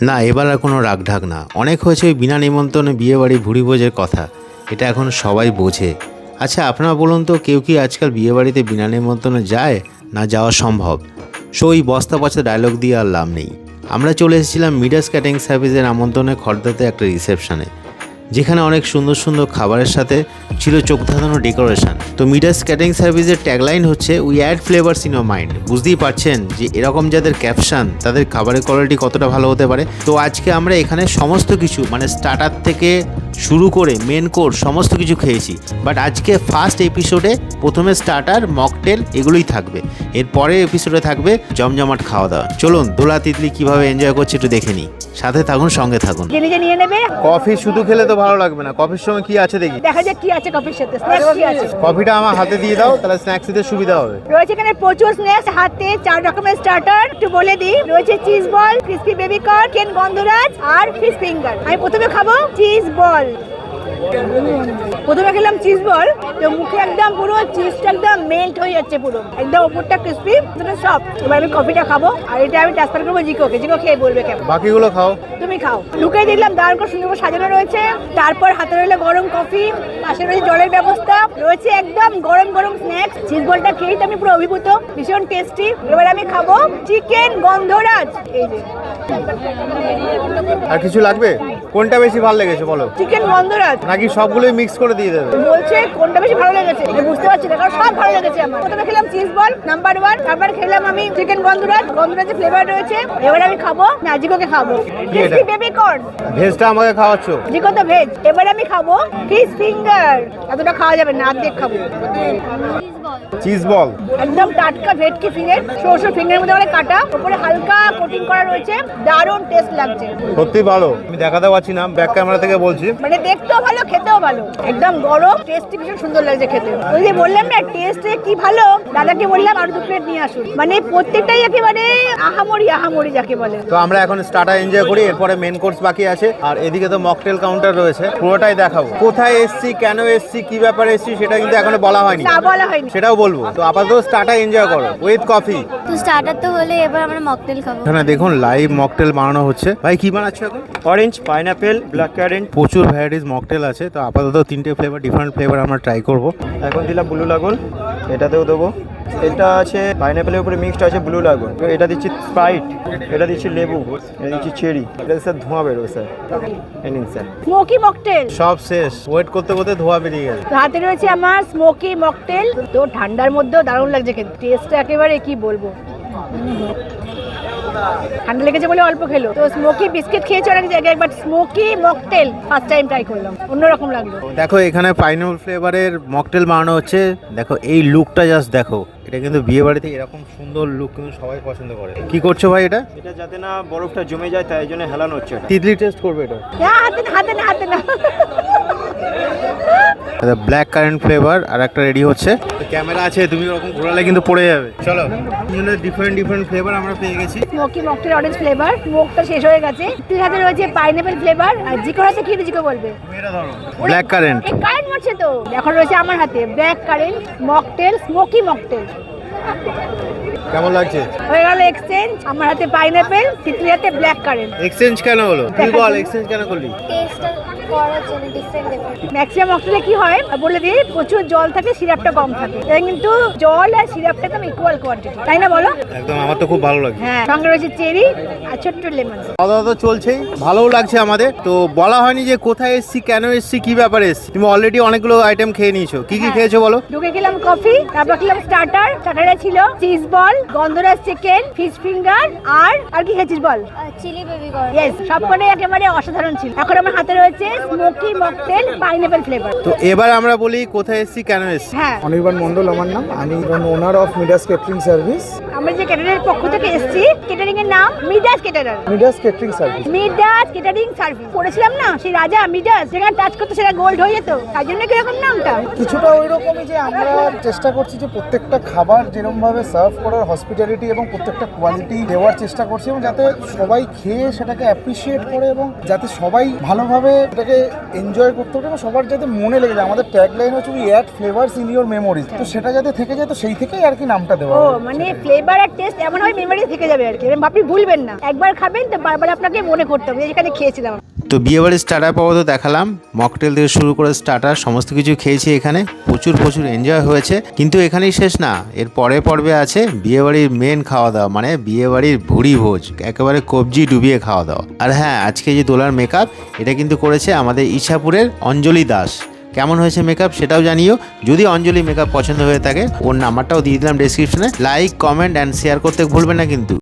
না, এবার আর কোনো রাগঢাক না। অনেক হয়েছে ওই বিনা নিমন্ত্রণে বিয়েবাড়ি ভুরিভোজের কথা, এটা এখন সবাই বোঝে। আচ্ছা আপনারা বলুন তো, কেউ কি আজকাল বিয়েবাড়িতে বিনা নিমন্ত্রণে যায়, না যাওয়া সম্ভব? সো ওই বস্তা পচা ডায়লগ দিয়ে আর লাভ নেই। আমরা চলে এসেছিলাম মিডাস ক্যাটারিং সার্ভিসের আমন্ত্রণে খর্দাতে একটা রিসেপশনে, যেখানে অনেক সুন্দর সুন্দর খাবারের সাথে ছিল চোখ ধাঁধানো ডেকোরেশন। তো মিডাস ক্যাটারিং সার্ভিসের ট্যাগলাইন হচ্ছে we add flavours in your mind. বুঝতেই পারছেন যে এরকম যাদের ক্যাপশন, তাদের খাবারের কোয়ালিটি কতটা ভালো হতে পারে। তো আজকে আমরা এখানে সমস্ত কিছু মানে স্টার্টার থেকে শুরু করে মেন কোর্স সমস্ত কিছু খেয়েছি। বাট আজকে ফার্স্ট এপিসোডে প্রথমে স্টার্টার, মকটেল এগুলোই থাকবে। এর পরের এপিসোডে থাকবে জমজমাট খাওয়া দাওয়া। চলুন দোলা তিতলি কীভাবে এনজয় করছে একটু দেখে নিই। সাথে থাকুন, সঙ্গে থাকুন। নিজে নিয়ে নেবে। কফি শুধু খেলে তো ভালো লাগবে না, কফির সঙ্গে কি আছে দেখি। দেখা যাক কি আছে কফির সাথে, স্ন্যাক্স কি আছে। কফিটা আমার হাতে দিয়ে দাও, তাহলে স্ন্যাক্স দিতে সুবিধা হবে। রয়েছে এখানে প্রচুর স্ন্যাক্স, হাতে 4 রকমের স্টার্টার। একটু বলে দিই, রয়েছে cheese ball, crispy baby corn, chicken গন্ধরাজ আর ফিশ ফিঙ্গার। আমি প্রথমে খাবো চিজ বল। প্রথমে খেলাম চিজ বল, তো মুখে একদম পুরো চিজটা একদম মেল্ট হয়ে যাচ্ছে, পুরো একদম উপরটা ক্রিসপি, ভিতরে সফট। এবার আমি কফিটা খাবো, আর এটা আমি ট্রান্সফার করবো জিকোকে। জিকো খেয়ে বলবে কেমন। বাকিগুলো খাও। তুমি খাও। ঢুকে দিলাম, দাঁড় করে সুন্দর করে সাজানো রয়েছে। তারপর হাতে রইলো গরম কফি, পাশে রয়েছে জলের ব্যবস্থা, রয়েছে একদম গরম গরম স্ন্যাক্স। চিজ বলটা খেয়েই তো আমি পুরো অভিভূত, ভীষণ টেস্টি। এবার আমি খাবো চিকেন গন্ধরাজ। এই যে আর কিছু লাগবে? কোনটা বেশি ভালো লেগেছে বলো? চিকেন গন্ধরাজ। নাকি সবগুলোই মিক্স করে দিয়ে দেবে? বলছে কোনটা বেশি ভালো লেগেছে, এটা বুঝতে পারছি না, কারণ সব ভালো লেগেছে আমার। প্রথমে খেলাম চিজ বল নাম্বার 1, তারপর খেলাম আমি চিকেন গন্ধরাজ। গন্ধরাজের ফ্লেভার রয়েছে। এবার আমি খাবো না, জিকোকে খাবো ক্রিসপি বেবি কর্ন। ভেজটা আমাকে খাওয়াচ্ছ? জিকো তো ভেজ। এবার আমি খাবো ফিশ ফিঙ্গার। এতটা খাওয়া যাবে না, অর্ধেক খাবো। চিজ বল একদম টাটকা ভেটকি ফিঙ্গার, সরষে ফিঙ্গারের মধ্যে করে কাটা, উপরে হালকা কোটিং করা রয়েছে। দারুণ টেস্ট লাগছে, সত্যি ভালো। আমি দেখাতে পারছি না, ব্যাক ক্যামেরা থেকে বলছি। মানে দেখতেও ভালো, খেতেও ভালো, একদম গরম, টেস্টি, ভীষণ সুন্দর লাগছে খেতে। ওই যে বললাম না টেস্টে কি ভালো, দাদাকে বললাম আরো 2 প্লেট নিয়ে আসুন। মানে প্রত্যেকটাই একেবারে আহামরি আহামরি যাকে বলে। তো আমরা এখন স্টার্টার এনজয় করি, এরপরে মেন কোর্স বাকি আছে। আর এদিকে তো মকটেল কাউন্টার রয়েছে, পুরোটাই দেখাবো। কোথায় এসছি, কেন এসছি, কি ব্যাপারে এসছি সেটা কিন্তু এখনো বলা হয়নি। না, বলা হয়নি, সেটাও বলবো। তো আপাতত স্টার্টার এনজয় করো উইথ কফি। তো স্টার্টার তো হলে এবার আমরা মকটেল খাবো। এখানে দেখুন লাইভ মকটেল বানানো হচ্ছে। ভাই কি বানাচ্ছো এখন? Orange, pineapple, black currant. প্রচুর ভ্যারাইটিস মকটেল আছে। তো আপাতত 3টে ফ্লেভার, ডিফারেন্ট ফ্লেভার আমরা ট্রাই করব। এখন দিলাম ব্লু লাগুন, এটাতেও দেবো। এটা আছে পাইনাপেলের উপরে মিক্সড আছে ব্লু লাগুন। এটা দিচ্ছি স্প্রাইট, এটা দিচ্ছি লেবু, এটা দিচ্ছি চেরি। এটা স্যার ধোঁয়া বেরোবে স্যার। এই নিন স্যার। Smoky mocktail. সব শেষ, ওয়েট করতে করতে ধোয়া বেরিয়ে গেছে। হাতে রয়েছে আমার স্মোকি মকটেল। তো ঠান্ডার মধ্যেও দারুণ লাগছে খেতে, টেস্টটা একেবারে কি বলবো। ঠান্ডা লেগেছে বলে অল্প খেলো। তো স্মোকি বিস্কিট খেয়েছি অনেক জায়গায়, but smoky mocktail first time try করলাম, অন্যরকম লাগলো। দেখো এখানে পাইনাপল ফ্লেভারের মকটেল বানানো হচ্ছে। দেখো এই লুকটা জাস্ট দেখো। এটা কিন্তু বিয়ে বাড়িতে এরকম সুন্দর লুক কিন্তু সবাই পছন্দ করে। কি করছো ভাই এটা? এটা যাতে না বরফটা জমে যায় তাই জন্য হেলানো হচ্ছে এটা। তিতলি টেস্ট করবে এটা? হাতে না, হাতে না, হাতে না। ব্ল্যাক কারেন্ট ফ্লেভার আর একটা রেডি হচ্ছে। ক্যামেরা আছে, তুমি ওরকম ঘোরালে কিন্তু পড়ে যাবে। চলো, ডিফারেন্ট ডিফারেন্ট ফ্লেভার আমরা পেয়ে গেছি। স্মোকি মকটেল অরেঞ্জ ফ্লেভার, স্মোকটা শেষ হয়ে গেছে। তিল হাতে রয়েছে পাইনাপেল ফ্লেভার, আর জিকোর হাতে কি জিকো বলবে? Black current. এই কারেন্ট মারছে তো। এখন রয়েছে আমার হাতে black currant mocktail, smoky mocktail. কেমন লাগছে? হয়ে গেল এক্সচেঞ্জ। আমার হাতে পাইনাপেল, তিতলির হাতে ব্ল্যাক কারেন্ট। এক্সচেঞ্জ কেন হলো? তুই বল এক্সচেঞ্জ কেন করলি? টেস্টটা করার জন্য ডিফারেন্ট ডিফারেন্ট। ম্যাক্সিমাম মকটেলে কি হয় বলে দিই, প্রচুর জল থাকে, সিরাপটা কম থাকে। এটা কিন্তু জল আর সিরাপটা একদম ইকুয়াল কোয়ান্টিটি, তাই না বলো? একদম, আমার তো খুব ভালো লাগছে। হ্যাঁ, সঙ্গে রয়েছে চেরি আর ছোট্ট লেমন। খাওয়া দাওয়া তো চলছেই, ভালোও লাগছে আমাদের। তো বলা হয়নি যে কোথায় এসছি, কেন এসছি, কি ব্যাপারে এসছি। তুমি অলরেডি অনেকগুলো আইটেম খেয়ে নিয়েছো। কি কি খেয়েছো বলো? ঢুকে খেলাম কফি, তারপর খেলাম স্টার্টার। স্টার্টারে ছিল চিজ বল, গন্ধরাজ চিকেন, ফিশ ফিঙ্গার, আর কি খেয়েছিস বল? Chilli baby corn. ইয়েস, সবকটাই একেবারে অসাধারণ ছিল। এখন আমার হাতে রয়েছে স্মোকি মকটেল পাইনাপেল ফ্লেভার। তো এবার আমরা বলি কোথায় এসছি, কেন এসছি। হ্যাঁ, অনির্বাণ মণ্ডল আমার নাম। আমি owner of Midas catering service. আমরা যে ক্যাটারিংয়ের পক্ষ থেকে এসেছি, ক্যাটারিং এর নাম Midas caterer. Midas catering service. Midas catering service করেছিলাম না, সেই রাজা মিডাস, যেখানে টাচ করতে সেটা গোল্ড হয়ে যেত, তাই জন্য কিরকম নামটা। কিছুটা ওই রকমই, যে আমরা চেষ্টা করছি যে প্রত্যেকটা খাবার যেরকম ভাবে সার্ভ করার হসপিটালিটি এবং প্রত্যেকটা কোয়ালিটি দেওয়ার চেষ্টা করছে এবং যাতে সবাই খেয়ে সেটাকে অ্যাপ্রিসিয়েট করে এবং যাতে সবাই ভালোভাবে এটাকে এনজয় করতে পারে এবং সবার যাতে মনে লেগে যায়। আমাদের ট্যাগলাইন হচ্ছে we add flavours in your memories, তো সেটা যাতে থেকে যায়, তো সেই থেকেই আর কি নামটা দেওয়া ও হয়েছে। মানে ফ্লেভার আর টেস্ট এমন হয় মেমোরি থেকে যাবে আর কি, এরকম আপনি ভুলবেন না। একবার খাবেন তো বারবার আপনাকে মনে করতে হবে যেখানে খেয়েছিলাম। তো বিয়েবাড়ির স্টার্টার পর্ব তো দেখালাম, মকটেল থেকে শুরু করে স্টার্টার সমস্ত কিছু খেয়েছি এখানে, প্রচুর এনজয় হয়েছে। কিন্তু এখানেই শেষ না, এর পরের পর্বে আছে বিয়েবাড়ির মেন খাওয়া দাওয়া, মানে বিয়েবাড়ির ভুড়ি ভোজ, একেবারে কবজি ডুবিয়ে খাওয়া দাওয়া। আর হ্যাঁ, আজকে যে দোলার মেকআপ এটা কিন্তু করেছে আমাদের ইছাপুরের অঞ্জলি দাস। কেমন হয়েছে মেকআপ সেটাও জানিও। যদি অঞ্জলি মেকআপ পছন্দ হয়ে থাকে ওর নাম্বারটাও দিয়ে দিলাম ডেসক্রিপশনে। লাইক, কমেন্ট অ্যান্ড শেয়ার করতে ভুলবেন না কিন্তু।